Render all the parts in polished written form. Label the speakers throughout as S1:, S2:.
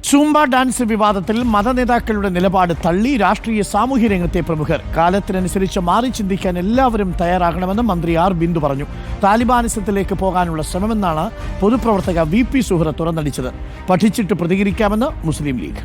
S1: Zumba dance വിവാദത്തിൽ മതനേതാക്കളുടെ നിലപാട് തള്ളി രാഷ്ട്രീയ സാമൂഹ്യ രംഗത്തെ പ്രമുഖർ. കാലത്തിനനുസരിച്ച് മാറി ചിന്തിക്കാൻ എല്ലാവരും തയ്യാറാകണമെന്ന് മന്ത്രി ആർ ബിന്ദു പറഞ്ഞു. താലിബാനിസത്തിലേക്ക് പോകാനുള്ള ശ്രമമെന്നാണ് പൊതുപ്രവർത്തക VP സുഹ്റ തുറന്നടിച്ചത്. പഠിച്ചിട്ട് പ്രതികരിക്കാമെന്ന് മുസ്ലിം ലീഗ്.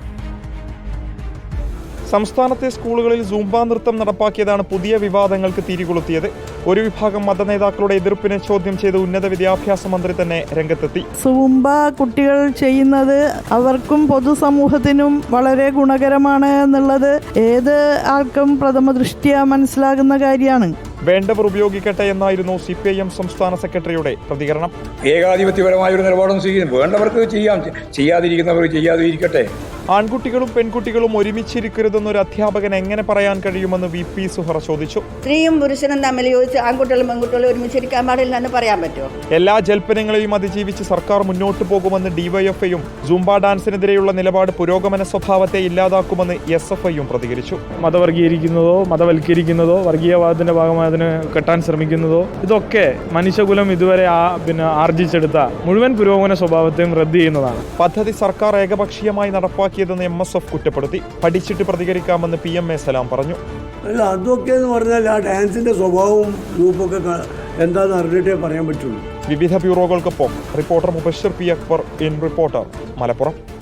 S2: സംസ്ഥാനത്തെ സ്കൂളുകളിൽ സൂംബ നൃത്തം നടപ്പാക്കിയതാണ് പുതിയ വിവാദങ്ങൾക്ക് തിരികൊളുത്തിയത്. ഒരു വിഭാഗം മതനേതാക്കളുടെ എതിർപ്പിനെ ചോദ്യം ചെയ്ത് ഉന്നത വിദ്യാഭ്യാസ മന്ത്രി തന്നെ രംഗത്തെത്തി.
S3: സൂംബ കുട്ടികൾ ചെയ്യുന്നത് അവർക്കും പൊതുസമൂഹത്തിനും വളരെ ഗുണകരമാണ് എന്നുള്ളത് ഏത് ആൾക്കും പ്രഥമ ദൃഷ്ട്യാ മനസ്സിലാകുന്ന കാര്യമാണ്.
S2: വേണ്ടവർ ഉപയോഗിക്കട്ടെ എന്നായിരുന്നു CPIM സംസ്ഥാന സെക്രട്ടറിയുടെ പ്രതികരണം.
S4: ഏകാധിപത്യപരമായ ഒരു നിലപാടൊന്നും സ്വീകരിക്കും. വേണ്ടവർക്ക് ചെയ്യാം, ചെയ്യാതിരിക്കുന്നവർ ചെയ്യാതിരിക്കട്ടെ.
S2: ആൺകുട്ടികളും പെൺകുട്ടികളും ഒരുമിച്ചിരിക്കരുതെന്നൊരു അധ്യാപകൻ എങ്ങനെ പറയാൻ കഴിയുമെന്ന് VP സുഹ്റ ചോദിച്ചു.
S5: സ്ത്രീയും പുരുഷനും തമ്മിൽ യോജിച്ച് ആൺകുട്ടികളും പെൺകുട്ടികളും ഒരുമിച്ചിരിക്കാൻ പാടില്ല എന്ന് പറയാൻ പറ്റുമോ?
S2: എല്ലാ ജൽപ്പനങ്ങളെയും അതിജീവിച്ച് സർക്കാർ മുന്നോട്ട് പോകുമെന്ന് DYFIയും സൂംബ ഡാൻസിനെതിരെയുള്ള നിലപാട് പുരോഗമന സ്വഭാവത്തെ ഇല്ലാതാക്കുമെന്ന് SFIയും പ്രതികരിച്ചു.
S6: മതവർഗീകരിക്കുന്നതോ മതവൽക്കരിക്കുന്നതോ വർഗീയവാദത്തിന്റെ ഭാഗമായി അതിന് കെട്ടാൻ ശ്രമിക്കുന്നതോ ഇതൊക്കെ മനുഷ്യകുലം ഇതുവരെ ആർജിച്ചെടുത്ത മുഴുവൻ പുരോഗമന സ്വഭാവത്തെയും റദ്ദ് ചെയ്യുന്നതാണ്.
S2: പദ്ധതി സർക്കാർ ഏകപക്ഷീയമായി നടപ്പാക്കിയതെന്ന് MSF കുറ്റപ്പെടുത്തി. പഠിച്ചിട്ട് പ്രതികരിക്കാമെന്ന് PMA സലാം പറഞ്ഞു.
S7: അല്ല, അതൊക്കെ എന്ന് പറഞ്ഞാൽ ആ ഡാൻസിന്റെ സ്വഭാവവും ഗ്രൂപ്പൊക്കെ എന്താണെന്ന് അറിഞ്ഞിട്ടേ പറയാൻ പറ്റുള്ളൂ.
S2: വിവിധ ബ്യൂറോകൾക്കൊപ്പം reporter Mubashir P. Akbar, reporter, Malappuram.